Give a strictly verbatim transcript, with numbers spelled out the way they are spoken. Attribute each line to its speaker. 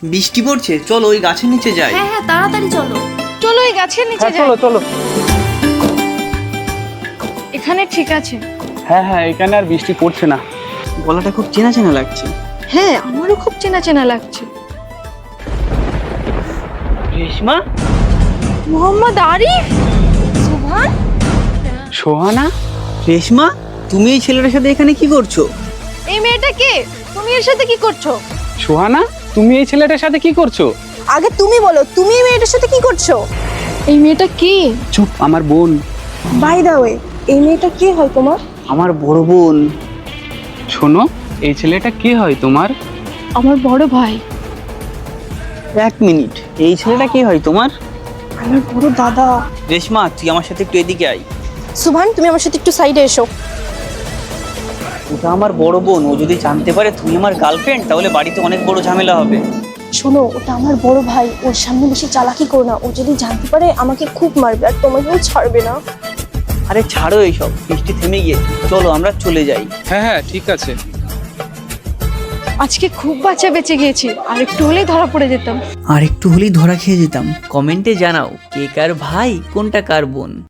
Speaker 1: বৃষ্টি পড়ছে, চলো ওই গাছের নিচে যাই।
Speaker 2: হ্যাঁ হ্যাঁ তাড়াতাড়ি চলো। চলো এই গাছের নিচে
Speaker 3: হ্যাঁ
Speaker 2: যাই।
Speaker 3: চলো চলো।
Speaker 2: এখানে ঠিক আছে।
Speaker 3: হ্যাঁ হ্যাঁ এখানে আর বৃষ্টি পড়ছে না।
Speaker 1: গলাটা খুব চেনা চেনা লাগছে।
Speaker 2: হ্যাঁ আমারও খুব চেনা চেনা লাগছে।
Speaker 1: রেশমা,
Speaker 2: মোহাম্মদ আরিফ, সুভান।
Speaker 3: সোহানা,
Speaker 1: রেশমা তুমি এই ছেলেটার সাথে এখানে কি করছো?
Speaker 2: এই মেয়েটা কে? তুমি এর সাথে কি করছো?
Speaker 3: সোহানা তুমি এই ছেলেটার সাথে কি করছো?
Speaker 4: আগে তুমি বলো, তুমি এই মেয়েটার সাথে কি করছো?
Speaker 2: এই মেয়েটা কে?
Speaker 3: চুপ, আমার বোন।
Speaker 4: বাই দা ওয়ে, এই মেয়েটা কে হয় তোমার?
Speaker 1: আমার বড় বোন।
Speaker 3: শোনো, এই ছেলেটা কে হয় তোমার?
Speaker 2: আমার বড় ভাই।
Speaker 1: এক মিনিট, এই ছেলেটা কি হয় তোমার?
Speaker 4: আমার বড় দাদা।
Speaker 1: রেশমা তুই আমার সাথে একটু এদিকে আয়।
Speaker 4: সুভান তুমি আমার সাথে একটু সাইডে এসো।
Speaker 1: ওটা আমার বড় বোন, ও যদি জানতে পারে তুমি আমার গার্লফ্রেন্ড তাহলে বাড়িতে অনেক বড় ঝামেলা হবে।
Speaker 4: শোনো, ওটা আমার বড় ভাই, ওর সামনে বেশি চালাকি করো না, ও যদি জানতে পারে আমাকে খুব মারবে আর তোমাকেও ছাড়বে না।
Speaker 1: আরে ছাড়ো এইসব, বৃষ্টি থেমে গিয়েছে, চলো আমরা চলে যাই।
Speaker 3: হ্যাঁ হ্যাঁ ঠিক আছে।
Speaker 2: আজকে খুব বাঁচা বেঁচে গিয়েছি, আর একটু হলেই ধরা পড়ে যেতাম।
Speaker 1: আর একটু হলেই ধরা খেয়ে যেতাম। কমেন্টে জানাও কে কার ভাই, কোনটা কার বোন।